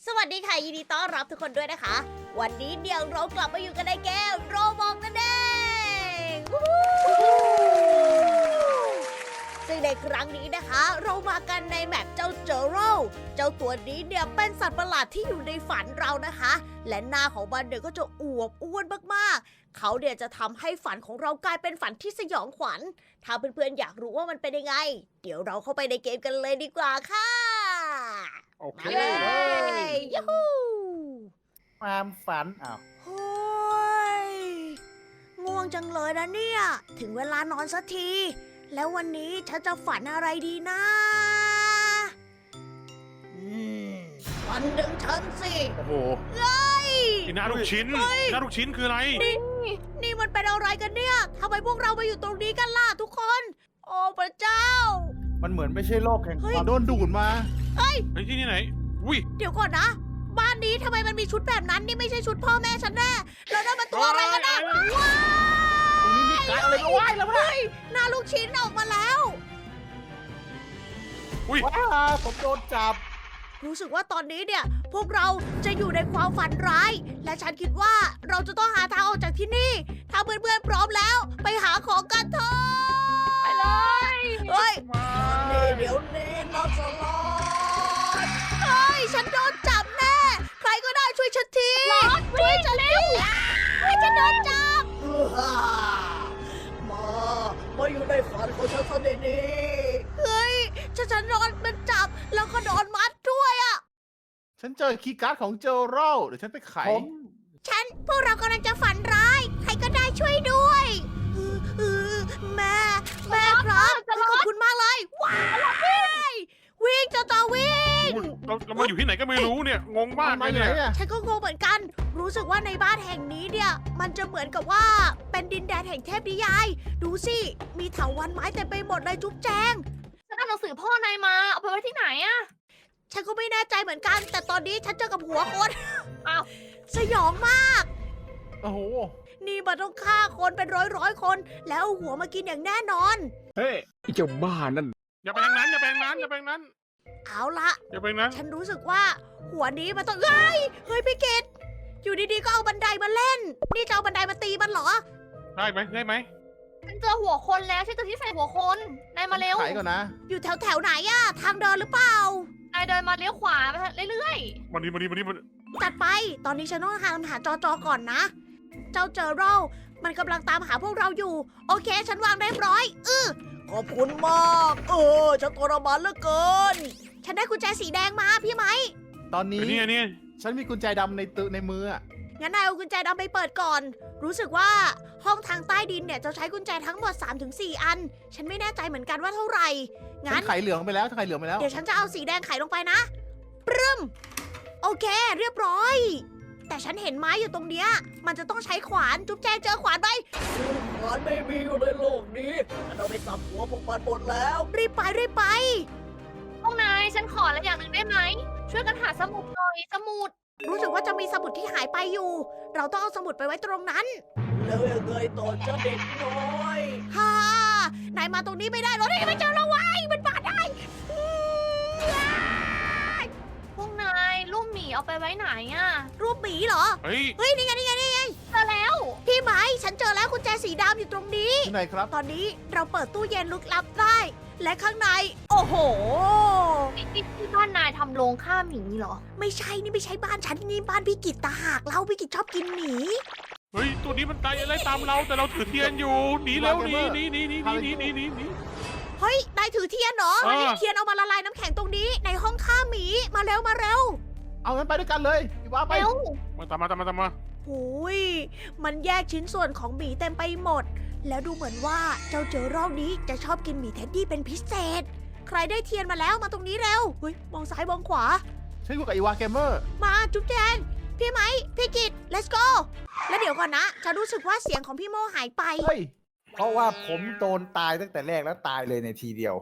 สวัสดีค่ะยินดีต้อนรับทุกคนด้วยนะคะวันนี้เดี๋ยวเรากลับมาอยู่กันในเกมโรบอกนั่นเองวู้ฮู้ซึ่งในครั้งนี้นะคะ เรามากันในแมปเจ้าเจอโรเจ้าตัวนี้เนี่ยเป็นสัตว์ประหลาดที่อยู่ในฝันเรานะคะ และหน้าของมันเนี่ยก็จะอวบอ้วนมากๆเขาเนี่ยจะทำให้ฝันของเรากลายเป็นฝันที่สยองขวัญถ้าเพื่อนๆอยากรู้ว่ามันเป็นยังไง เดี๋ยวเราเข้าไปในเกมกันเลยดีกว่าค่ะโอเคมาเลยยูฮูความฝันอ้าวโอ้ยง่วงจังเลยนะเนี่ย ถึงเวลานอนสักที แล้ววันนี้ฉันจะฝันอะไรดีนะฝันถึงฉันสิโอ้โหนี่หน้าลูกชิ้นหน้าลูกชิ้นคืออะไรนี่มันเป็นอะไรกันเนี่ยทำไมพวกเรามาอยู่ตรงนี้กันล่ะทุกคน โอ้พระเจ้ามันเหมือนไม่ใช่โลกแห่งเฮ้ยความโดนดูดมาไอ้ที่นี่ไหน อุ้ยเดี๋ยวก่อนนะ บ้านนี้ทำไมมันมีชุดแบบนั้น นี่ไม่ใช่ชุดพ่อแม่ฉันแน่แล้วนั่นมันตัวอะไรกันนะว้าตรงนี้มีการอะไรก็ว่ายแล้วนะหน้าลูกชิ้นออกมาแล้วอุ้ยว้าผมโดนจับรู้สึกว่าตอนนี้เนี่ย พวกเราจะอยู่ในความฝันร้าย และฉันคิดว่าเราจะต้องหาทางออกจากที่นี่ ถ้าเพื่อนๆพร้อมแล้ว ไปหาของกันเถอะไปเลยเฮ้ยมาเดี๋ยวนี้นะสลอดเฮ้ยฉันโดนจับแน่ ใครก็ได้ช่วยฉันทีช่วยฉันทีให้ฉันโดนจับมาอยู่ในฝันของฉันซะดีๆเฮ้ยฉันโดนมันจับแล้วก็โดนมัดด้วยอ่ะฉันเจอคีย์การ์ดของเจอโรเดี๋ยวฉันไปไขพวกเรากำลังจะฝันร้าย ใครก็ได้ช่วยด้วยแม่ครับขอบคุณมากเลยว้ายวิ่งเจ้าวิ่งเรามาอยู่ที่ไหนก็ไม่รู้เนี่ย งงมากมาเลยไหนเนี่ยอะฉันก็งงเหมือนกัน รู้สึกว่าในบ้านแห่งนี้เนี่ย มันจะเหมือนกับว่าเป็นดินแดนแห่งเทพนิยาย ดูสิ มีเถาวัลย์ไม้เต็มไปหมดเลยจุ๊บแจงฉันเอาหนังสือพ่อนายมา เอาไปไว้ที่ไหนอะฉันก็ไม่แน่ใจเหมือนกัน แต่ตอนนี้ฉันเจอกับหัวคนอ้าวสยองมากโอ้โหนี่มันต้องฆ่าคนเป็นร้อยคน แล้วเอาหัวมากินอย่างแน่นอนเฮ้ยไอ้เจ้าบ้านั่นอย่าไปทางนั้น อย่าไปทางนั้น อย่าไปทางนั้นเอาละอย่าไปทางนั้นฉันรู้สึกว่าหัวนี้มันต้องเฮ้ยพี่กิตอยู่ดีๆก็เอาบันไดมาเล่น นี่จะเอาบันไดมาตีมันเหรอได้ไหมได้ไหมฉันเจอหัวคนแล้วฉันเจอที่ใส่หัวคน นายมาเร็วไขก่อนนะอยู่แถวไหนอะทางเดินหรือเปล่านายเดินมาเลี้ยวขวาไปเรื่อยมาดีมาดีมาดีมาจัดไป ตอนนี้ฉันต้องหาจอก่อนนะ เจ้าเจอโรมันกำลังตามหาพวกเราอยู่ โอเค ฉันวางเรียบร้อยขอบคุณมากฉันทรมานเหลือเกิน ฉันได้กุญแจสีแดงมาพี่ไหมตอนนี้นี่นี่ฉันมีกุญแจดำในมืออะงั้นนายเอากุญแจดำไปเปิดก่อน รู้สึกว่าห้องทางใต้ดินเนี่ยจะใช้กุญแจทั้งหมด 3-4 อัน ฉันไม่แน่ใจเหมือนกันว่าเท่าไหร่ฉังั้นนไขเหลืองไปแล้วฉันไขเหลืองไปแล้วเดี๋ยวฉันจะเอาสีแดงไขลงไปนะ ปรึมโอเค เรียบร้อย แต่ฉันเห็นไม้อยู่ตรงเนี้ย มันจะต้องใช้ขวาน จุ๊บแจงเจอขวานไหมขวานไม่มีอยู่ในโลกนี้ฉันเอาไปสับหัวพวกมันหมดแล้ว รีบไปๆพวกนายฉันขออะไรอย่างหนึ่งได้ไหม ช่วยกันหาสมุดหน่อย สมุดรู้สึกว่าจะมีสมุดที่หายไปอยู่ เราต้องเอาสมุดไปไว้ตรงนั้น แล้วยังไงต่อจะเด็กน้อยฮ่านายมาตรงนี้ไม่ได้หรอกนี่ไม่เจอแล้วไว้ยมันมาได้พวกนายรูปหมีเอาไปไว้ไหนอะรูปหมีเหรอเฮ้ยเฮ้ย นี่ไงเจอแล้วพี่ไหมฉันเจอแล้วกุญแจสีดำอยู่ตรงนี้ที่ไหนครับตอนนี้เราเปิดตู้เย็นลึกลับได้ และข้างใน โอ้โหที่บ้านนายทำโรงฆ่าหมีเหรอไม่ใช่นี่ไม่ใช่บ้านฉันนี่บ้านพี่กิตตาหากเราพี่กิตชอบกินหมีเฮ้ย ตัวนี้มันตายอะไรตามเรา แต่เราถือเทียนอยู่ หนีเร็วหนีหนีหนีหนีหนีหนีหนีหนีเฮ้ยนายถือเทียนเหรอ เทียนเอามาละลายน้ำแข็งตรงนี้ ในห้องฆ่าหมีมาเร็วเอางั้นไปด้วยกันเลยพี่ว่าไปเร็วมาตามมาหูยมันแยกชิ้นส่วนของหมีเต็มไปหมด แล้วดูเหมือนว่าเจ้าเจอรอบนี้จะชอบกินหมีเท็ดดี้เป็นพิเศษ ใครได้เทียนมาแล้วมาตรงนี้เร็วเฮ้ยมองซ้ายมองขวาฉันอยู่กับอีวาเกมเมอร์มาจุ๊บแจงพี่ไหมพี่กิต let's go แล้วเดี๋ยวก่อนนะฉันรู้สึกว่าเสียงของพี่โมหายไปเฮ้ย เพราะว่าผมโดนตายตั้งแต่แรกแล้วตายเลยในทีเดียว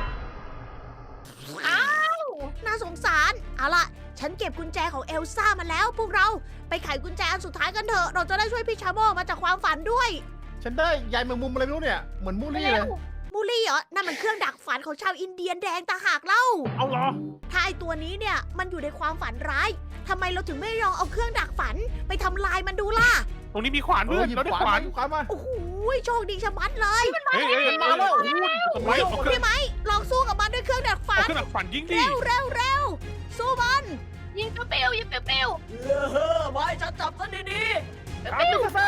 อ้าวน่าสงสาร เอาล่ะ ฉันเก็บกุญแจของเอลซ่ามาแล้ว พวกเราไปไขกุญแจอันสุดท้ายกันเถอะ เราจะได้ช่วยพี่ชาโมมาจากความฝันด้วยฉันได้ยายแมงมุมอะไรไม่รู้เนี่ย เหมือนมูลลี่เลยมูลี่เหรอ นั่นมันเครื่องดักฝันของชาวอินเดียนแดงตาหากเล่าเอาเหรอถ้าไอตัวนี้เนี่ยมันอยู่ในความฝันร้ายทำไมเราถึงไม่ลองเอาเครื่องดักฝันไปทำลายมันดูล่ะตรงนี้มีขวานเอเพื่ออนหยิบเราได้ขวานขวานหยิบขวานมาโอ้โหโชคดีชะมัดเลยเฮ้ยเฮ้ยเฮ้ยมาแล้วทำไมเอาเครื่องพี่ไหมลองสู้กับมันด้วยเครื่องดักฝัเอานเครื่องดักฝันยิงดิเร็วเร็วเร็วสู้มันยิงเปรี้ยวๆยิงเปรี้ยวไว้ฉันจับซะดีเอาไปซะเซ่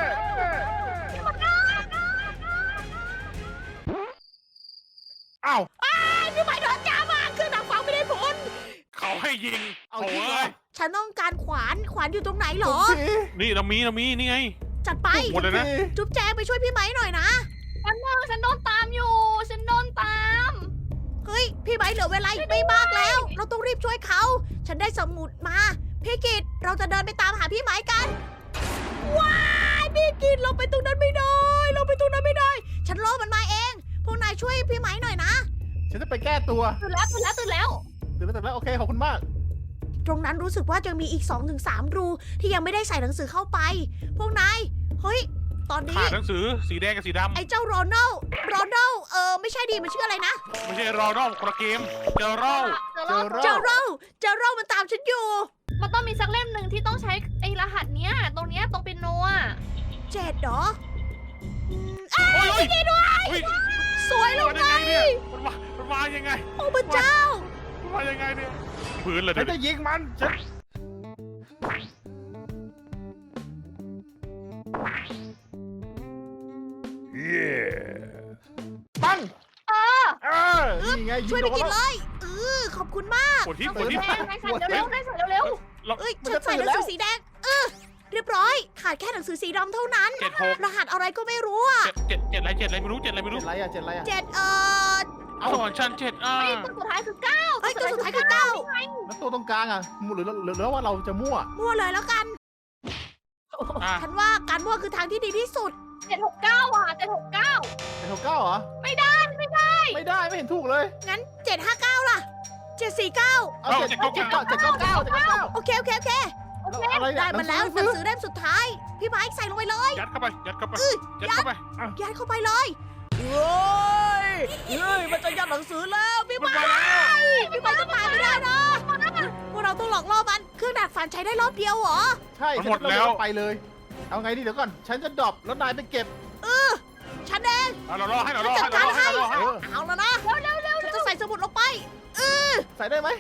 อ้าวๆพี่ไหมโดนจ้ามาเครื่องดักฝันไม่ได้ผลเขาให้ยิงเอาโอ้จริงเหรยอฉันต้องการขวานอยู่ตรงไหนเหรอสินี่เรามีนี่ไงจัดไปหมดเลยนะจุ๊บแจงไปช่วยพี่ไหมหน่อยนะๆฉันโดนตามอยู่ ฉันโดนตามเฮ้ย พี่ไหมเหลือเวลาอีกไม่มากแล้ว เราต้องรีบช่วยเขา ฉันได้สมุดมา พี่กิตเราจะเดินไปตามหาพี่ไหมกัน ว้ายพี่กิตเราไปตรงนั้นไม่ได้ เราไปตรงนั้นไม่ได้ ฉันล่อมันมาเอง พวกนายช่วยพี่ไหมหน่อยนะฉันจะไปแก้ตัวตื่นแล้วตื่นแล้วโอเคขอบคุณมากตรงนั้นรู้สึกว่าจะมีอีก 2-3 รูที่ยังไม่ได้ใส่หนังสือเข้าไป พวกนาย เฮ้ย ตอนนี้ขาดหนังสือสีแดงกับสีดำไอ้เจ้าโรนัลไม่ใช่ดีมันชื่ออะไรนะไม่ใช่รอรอบคนละเกมเจอรอบเจอโรมันตามฉันอยู่มันต้องมีสักเล่มหนึ่งที่ต้องใช้ไอ้รหัสเนี้ย ตรงเนี้ยตรงเป็นโนอ่ะ 7เหรอโอ้ยโอ้ยโอ้ยสวยลมังนไงยังไงเนี่ยมันมายังไงโอ้พระเจ้ามันมายังไงเนี่ยพื้นเลยฉัเดี๋นยวจะยิงมันฉันปังเออนี่ไงยิช่วยงโดไปนกินแล้วเลยขอบคุณมากปวดที่ปวดที่แม่ใส่เร็วๆได้ใส่เร็วเอ้ยฉันใส่หนังสือสีแดงเรียบร้อย ขาดแค่หนังสือสีดำเท่านั้น 7 6 รหัสอะไรก็ไม่รู้อ่ะ 7อะไรไม่รู้7อะไรไม่รู้เจ็ดไรอะเจ็ดไรอะ 7 เอาสอนชั้น7 ๆไอ้ตัวสุดท้ายคือ9 เฮ้ยตัวสุดท้ายคือเก้าแล้วตัวตรงกลางอะหรือว่าเราจะมั่วมั่วเลยแล้วกันอ่ะฉันว่าการมั่วคือทางที่ดีที่สุด 769อ่ะ769 เป็นหกเก้าเหรอไม่ได้ไม่เห็นถูกเลยงั้น 759 ล่ะ 749 เอาเจ็ดเก้าเจ็ดเก้าเจ็ดเก้าเก้าเจ็ดเก้าเก้าโอเคอะไรได้มาแล้วหนังสือเล่มสุดท้าย พี่ไม้ใส่ลงไปเลยยัดเข้าไปยัดเข้าไปยัดเข้าไปยัดเข้าไปเลยเฮ้ยมันจะยัดหนังสือแล้วพี่ไม้พี่ไม้จะตายไม่ได้นะพวกเราต้องหลอกล่อมันเครื่องดักฝันใช้ได้รอบเดียวเหรอใช่ฉันเราไปเลย เอาไงดีเดี๋ยวก่อน ฉันจะดรอปแล้วนายไปเก็บฉันเองเรารอให้เรารอจัให้ดการให้เรารอให้เอาแล้วนะฉันจะใส่สมุดลงไปใส่ได้ไหม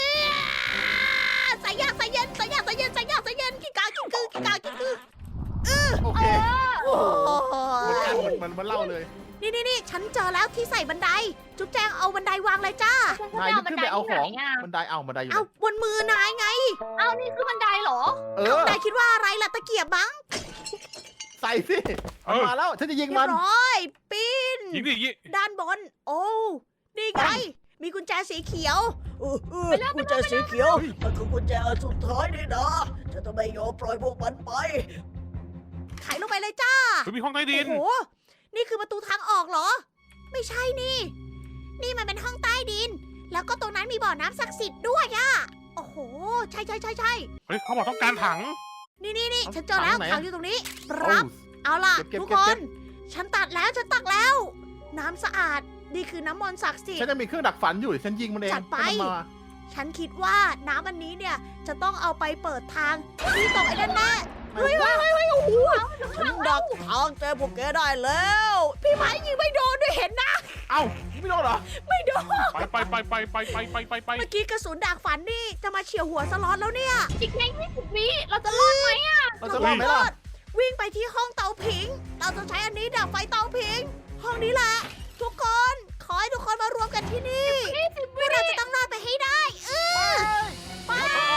ใส่ยากใส่เย็นกี่กากี่คือโอเคโอ้ยมันเล่าเลยนี่ฉันเจอแล้วที่ใส่บันได จุ๊บแจงเอาบันไดวางเลยจ้านายขึ้นไปเอาของบันไดเอาบันไดอยู่เอาบนมือนายไงเอานี่คือบันไดเหรอนายคิดว่าอะไรล่ะตะเกียบมั้งใส่สิมาแล้วฉันจะยิงเรีมัยนบร้อยปีนยิงดิยิงด้านบน โอ้นี่ไง มีกุญแจสีเขียวกุญแจสีเขียวมันคือกุญแจอันสุดท้ายนี่นะฉันจะไม่ยอมปล่อยพวกมันไปไขลงไปเลยจ้ามีห้องใต้ดินโอ้โห นี่คือประตูทางออกเหรอ ไม่ใช่นี่ นี่มันเป็นห้องใต้ดิน แล้วก็ตรงนั้นมีบ่อน้ำศักดิ์สิทธิ์ด้วยอะโอ้โห ใช่เฮ้ยเขาบอกต้องการถังนี่ฉันเจอแล้วถังอยู่ตรงนี้โอ้รับ เอาล่ะเก็บทุกเก็บคเก็นบฉันตักแล้ว น้ำสะอาด นี่คือน้ำมนต์ศักดิ์สิทฉันธิ์จะมีเครื่องดักฝันอยู่ฉันยิงมันเองจัดไปให้มันมาฉันคิดว่าน้ำอันนี้เนี่ย จะต้องเอาไปเปิดทางที่ตรงไอ้นั่นแน่เฮ้ยโอ้โหฉันดักทางเจอพวกแกได้แล้ว พี่ไม้ยิงไม่โดนด้วยเห็นนะเอ้าไม่โดนเหรอไม่โดนไปเมื่อกี้กระสุนดักฝันนี่จะมาเฉียวหัวสล็อตแล้วเนี่ยอีกแค่20 วิเราจะรอดไหมอ่ะเราจะรอดไหมล่ะวิ่งไปที่ห้องเตาผิง เราจะใช้อันนี้ดับไฟเตาผิง ห้องนี้แหละ ทุกคนขอให้ทุกคนมารวมกันที่นี่พวกเราจะต้องรอดไปให้ได้ไป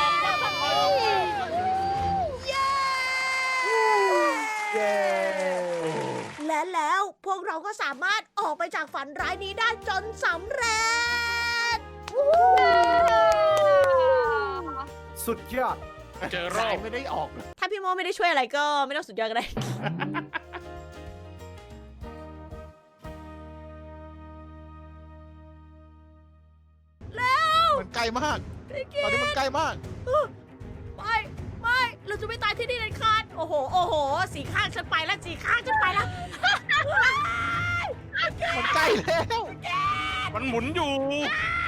เย้เย้และแล้วพวกเราก็สามารถออกไปจากฝันร้ายนี้ได้จนสำเร็จสุดยอดเจอรสาอย บไม่ได้ออกถ้าพี่โมไม่ได้ช่วยอะไรก็ไม่ต้องสุดยอดก็ได้มันใกล้มาก ตอนนี้มันใกล้มากไม่เราจะไม่ตายที่นี่เลยขาดโอ้โห สีข้างฉันไปแล้วมันใกล้แล้วมันหมุนอยู่